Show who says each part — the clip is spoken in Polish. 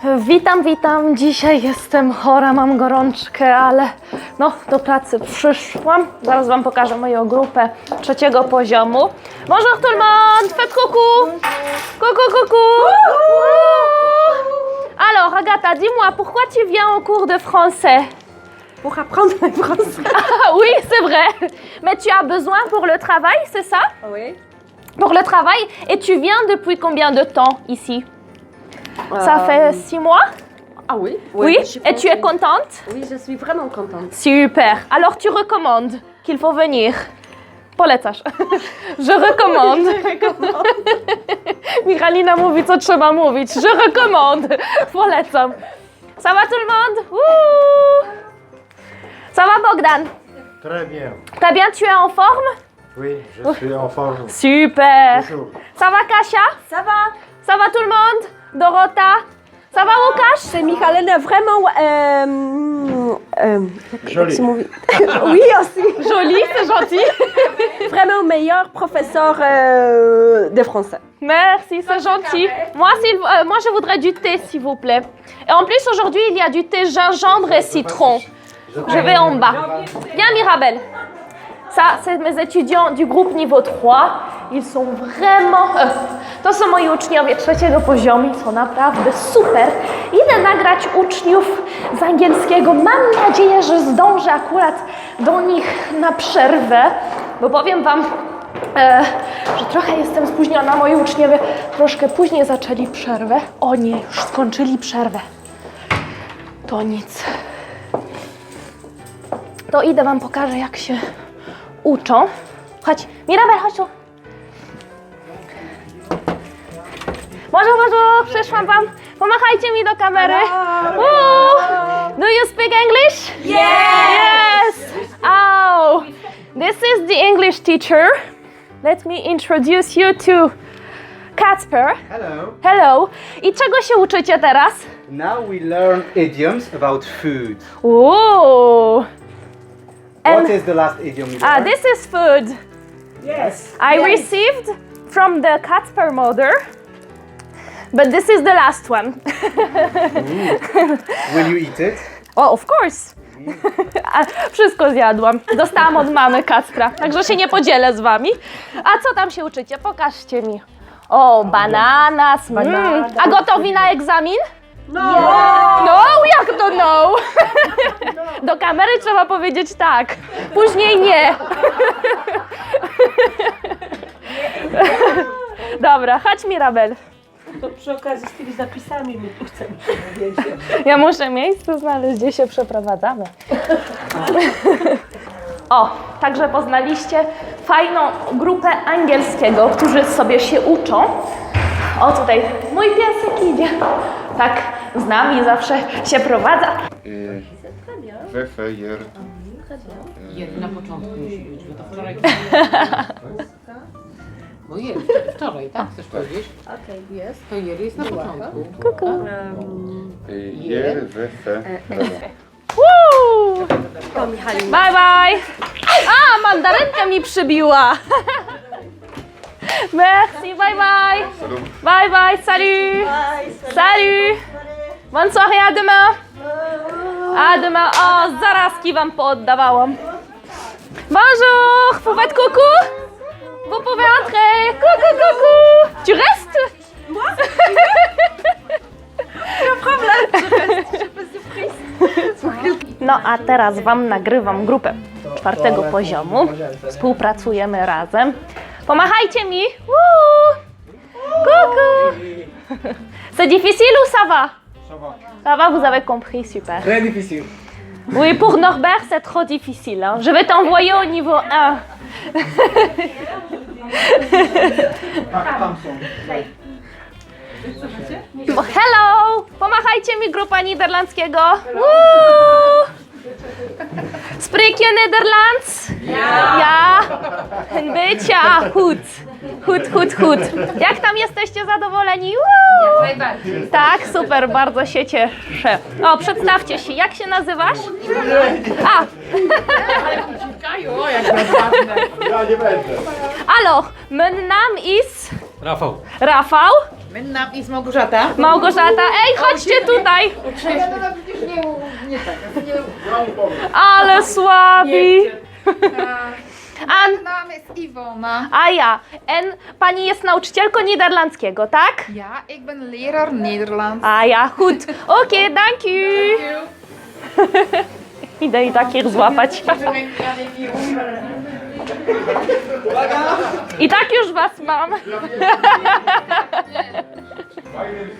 Speaker 1: Witam. Dzisiaj jestem chora, mam gorączkę, ale no do pracy przyszłam. Zaraz Wam pokażę moją grupę trzeciego poziomu. Bonjour tout le monde, faites coucou. Coucou. Alors Agatha, dis-moi, pourquoi tu viens au cours de français?
Speaker 2: Pour apprendre le français.
Speaker 1: Ah oui, c'est vrai. Mais tu as besoin pour le travail, c'est ça?
Speaker 2: Oui.
Speaker 1: Pour le travail. Et tu viens depuis combien de temps ici? Ça fait 6 mois?
Speaker 2: Ah oui.
Speaker 1: Oui.
Speaker 2: Je suis
Speaker 1: Et tu es contente?
Speaker 2: Oui, je suis vraiment contente.
Speaker 1: Super. Alors tu recommandes qu'il faut venir? Polecasz. Je recommande. Michalina mówi, co trzeba mówić. Je recommande. Polecam. Ça va tout le monde? Ouh. Ça va Bogdan?
Speaker 3: Très bien.
Speaker 1: Très bien, tu es en forme?
Speaker 3: Oui, je suis en forme.
Speaker 1: Super.
Speaker 3: Toujours.
Speaker 1: Ça va Kasia?
Speaker 2: Ça va.
Speaker 1: Ça va tout le monde? Dorota? Ça va Łukasz?
Speaker 2: C'est Michalina vraiment...
Speaker 3: Jolie.
Speaker 2: Oui, aussi.
Speaker 1: Jolie, c'est gentil.
Speaker 2: Vraiment meilleur professeur de français.
Speaker 1: Merci, c'est gentil. Moi, je voudrais du thé, s'il vous plaît. Et en plus, aujourd'hui, il y a du thé gingembre et citron. Je vais en bas. Viens, Mirabel. Ça, c'est mes étudiants du groupe niveau 3. Ils są vraiment... To są moi uczniowie trzeciego poziomu. Są naprawdę super. Idę nagrać uczniów z angielskiego. Mam nadzieję, że zdążę akurat do nich na przerwę. Bo powiem Wam, że trochę jestem spóźniona. Moi uczniowie troszkę później zaczęli przerwę. O nie, już skończyli przerwę. To nic. To idę Wam pokażę, jak się uczą. Chodź, Mirabel, chodź tu. Bonjour, przyszłam Wam. Pomachajcie mi do kamery. Do you speak English? Yes! Oh, this is the English teacher. Let me introduce you to Kacper. Hello. I czego się uczycie teraz?
Speaker 4: Now we learn idioms about food.
Speaker 1: Ooh.
Speaker 4: What is the last idiom you learned?
Speaker 1: This is food.
Speaker 2: Yes.
Speaker 1: I received from the Kacper mother, but this is the last one.
Speaker 4: Will you eat it?
Speaker 1: Oh, of course. Wszystko zjadłam. Dostałam od mamy Kacpra, także się nie podzielę z Wami. A co tam się uczycie? Pokażcie mi. O, bananas. A gotowi na egzamin?
Speaker 2: No.
Speaker 1: No, jak to no? Do kamery trzeba powiedzieć tak, później nie. Dobra, chodź Mirabel.
Speaker 5: To przy okazji z tymi zapisami my tu chcemy powiedzieć.
Speaker 1: Ja muszę miejsce znaleźć, gdzie się przeprowadzamy. O, także poznaliście fajną grupę angielskiego, którzy sobie się uczą. O, tutaj mój piesek idzie. Tak, z nami zawsze się prowadza.
Speaker 6: Na początku musi być, bo to wczoraj. No jest, wczoraj, tak? Chcesz powiedzieć?
Speaker 2: Okej, jest.
Speaker 6: To jest na początku.
Speaker 1: Kuku.
Speaker 2: To Michalina.
Speaker 1: Bye bye. A, mandarynka mi przybiła. Merci, bye bye. Bye bye, salut. Salut. Bonne soirée, à demain. À demain. O, zarazki Wam pooddawałam. Bonjour, vous faites coucou? Vous pouvez entrer. Coucou. Tu restes? Moi? No a teraz Wam nagrywam grupę czwartego poziomu. Współpracujemy razem. Pomachajcie mi! Woo! Coucou! C'est difficile ou ça va? Ça va, vous avez compris, super.
Speaker 4: Très difficile.
Speaker 1: Oui, pour Norbert, c'est trop difficile. Hein. Je vais t'envoyer au niveau 1. Hello! Pomachajcie mi, grupa niderlandzkiego. Woo! Spreek je Nederlands? Ja. Een beetje. Goed. Jak tam jesteście zadowoleni? Woo! Tak, super, bardzo się cieszę. O, przedstawcie się. Jak się nazywasz? A.
Speaker 3: Ja nie będę.
Speaker 1: Alors, mijn naam is...
Speaker 4: Rafał.
Speaker 1: Rafał.
Speaker 6: Mijn naam is Małgorzata.
Speaker 1: Małgorzata, ej, chodźcie tutaj. Ale słabi. A,
Speaker 7: naam is Ivona.
Speaker 1: a ja. Pani jest nauczycielką niderlandzkiego, tak?
Speaker 7: Ja, ik ben leraar Nederlands.
Speaker 1: A ja, goed. Oké, dank u. Idę i takich złapać. I tak już was mam.